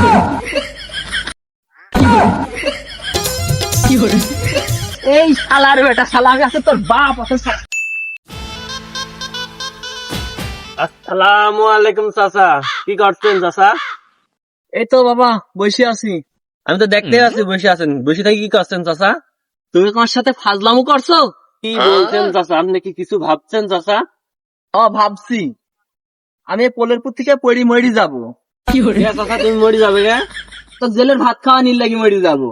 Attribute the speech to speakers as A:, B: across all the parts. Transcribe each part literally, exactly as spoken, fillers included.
A: এই শালার বেটা শালা আছে তোর বাপ আছে।
B: আসসালামু আলাইকুম চাচা, কি করছেন চাচা?
A: এই তো বাবা বসে আছি।
B: আমি তো দেখতে আছি বসে আছেন, বসে থাকি কি করছেন চাচা?
A: তুমি তোমার সাথে ফাজলামো করছো?
B: কি বলছেন চাচা? আপনি কি কিছু ভাবছেন চাচা?
A: ও ভাবছি আমি পোলেরপুর থেকে পড়ি মরি যাবো।
B: চাচা তুমি মরে যাবে গে?
A: তো জেলের ভাত খাওয়া নিল লাগি মরি যাবো।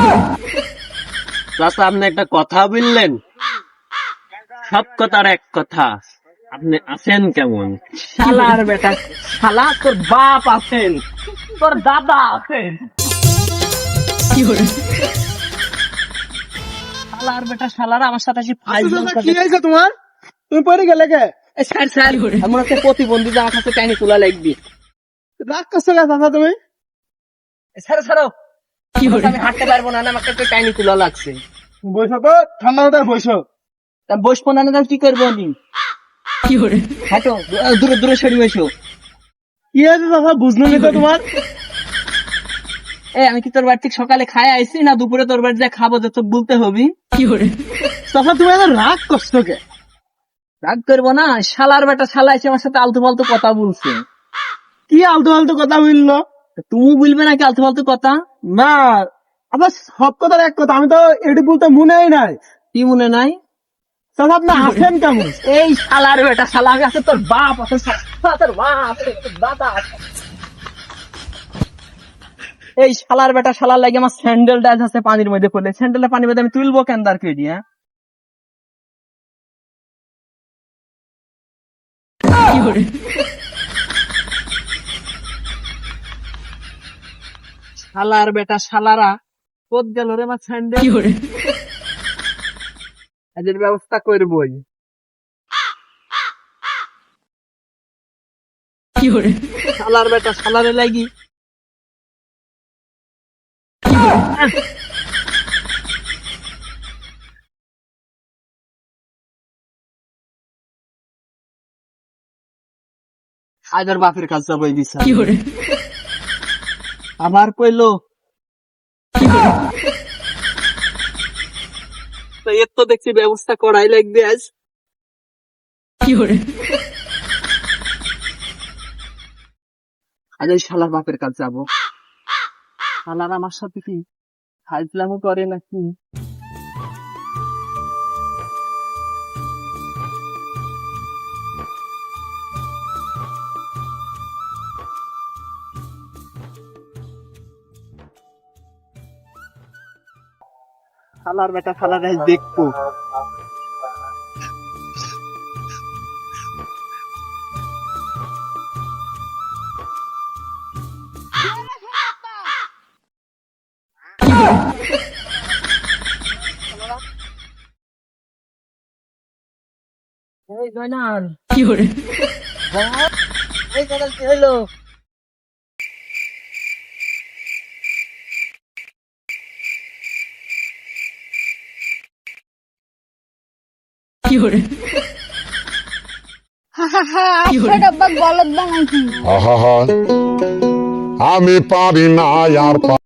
B: চাচা আপনি একটা কথা বললেন, সব কথার এক কথা, আপনি আছেন কেমন?
A: শালার বেটা শালা তোর বাপ আছেন, তোর দাদা আছেন। শালার বেটা শালারা আমার সাথে
C: কি হয়েছে তোমার? তুমি পড়ে গেলে কে?
A: স্যার স্যার এমন একটা প্রতিবন্ধী আমার কাছে টাইনি তোলা লাগবি।
C: রাগ করছো কে দাদা তুমি?
A: স্যার স্যার আমি হাঁটতে পারবো না, আমাকে একটা টাইনি তোলা লাগছে।
C: বসো তো, ঠান্ডা মাথায় বসো।
A: তা বসবো না না কি করবো আমি? হাঁটো দূরে দূরে সরি বসো।
C: কি হয়েছে দাদা বুঝলো নি তো তোমার?
A: এ আমি কি তোর বাড়ি থেকে সকালে খাই আইছি না দুপুরে তোর বাড়ি যা খাবো যে তোর বলতে হবি?
C: দাদা তুমি এত রাগ করছো কে?
A: রাগ করবো না, শালার বেটা শালা এসে আমার সাথে আলতু ফালতু কথা বলছে।
C: কি আলতু ফালতু কথা বললো?
A: তুমি বলবে নাকি আলতু ফালতু কথা?
C: না আবার সব কথার এক কথা, আমি তো এটি বলতে মনেই নাই।
A: কি মনে নাই?
C: দাদা আপনি আছেন কেমন?
A: এই শালার বেটা শালা আছে তোর বাপ আছে, তোর বাপ আছে, তোর দাদা আছে। এই শালার বেটা শালার লাগে আমার স্যান্ডেল ডাইজ আছে পানির মধ্যে পড়লে, স্যান্ডেলের পানির মধ্যে আমি তুলবো কেন দার কে দিয়ে? শালার বেটা শালারা কোদ গেল রে আমার স্যান্ডেল। এদের ব্যবস্থা করবই। শালার বেটা শালারে লাগি আজর বাপের কাছে যাবো এই বিচার। আবার কইলো তো এর তো দেখছি ব্যবস্থা করাই লাগবে আজ। আজ এই শালার বাপের কাছে যাবো। শালার আমার সাথে কি ফাজলামো করে নাকি? শালার বেটা শালার আজ দেখবো। এই জয়নাল কি করে? এই জয়নাল কি হইলো? কি করে?
D: বলদ বানাইছি।
E: আহা, আমি পারি না আর